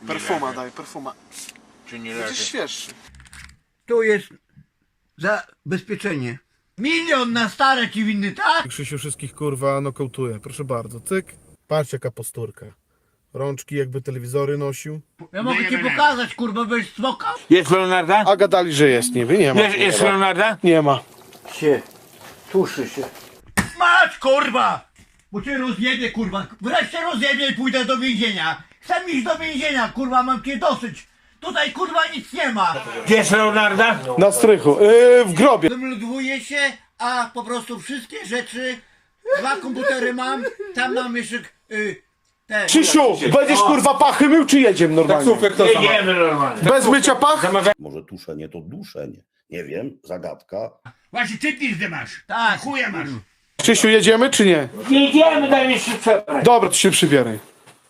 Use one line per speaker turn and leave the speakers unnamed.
Perfuma daj, perfuma.
Czy nie
Będziesz
leży?
świeższy.
Tu jest zabezpieczenie. 1 000 000 na stare ci winny, tak?
Krzysiu wszystkich kurwa nokautuje. Proszę bardzo, cyk. Patrz jaka posturka. Rączki jakby telewizory nosił.
Ja mogę ci pokazać, kurwa, byś smokał?
Jest Leonarda?
A gadali, że jest, niby nie ma.
Jest Leonarda?
Nie ma.
Się, tuszy się. Mać, kurwa! Bo cię rozjebie, kurwa. Wreszcie rozjebie i pójdę do więzienia. Chcę iść do więzienia, kurwa, mam cię dosyć. Tutaj, kurwa, nic nie ma.
Gdzie jest Leonarda?
Na strychu, w grobie.
Zmludwuję się, a po prostu wszystkie rzeczy, 2 komputery mam, tam mam jeszcze te...
Krzysiu, będziesz kurwa pachy mył, czy jedziemy normalnie?
Jedziemy normalnie.
Bez mycia pach?
Może tuszenie to duszenie. Nie wiem, zagadka.
Właśnie ty pizdę masz.
Tak.
Chuja masz.
Krzysiu, jedziemy, czy nie?
Jedziemy, daj mi się przebrać.
Dobra, to się przybieraj.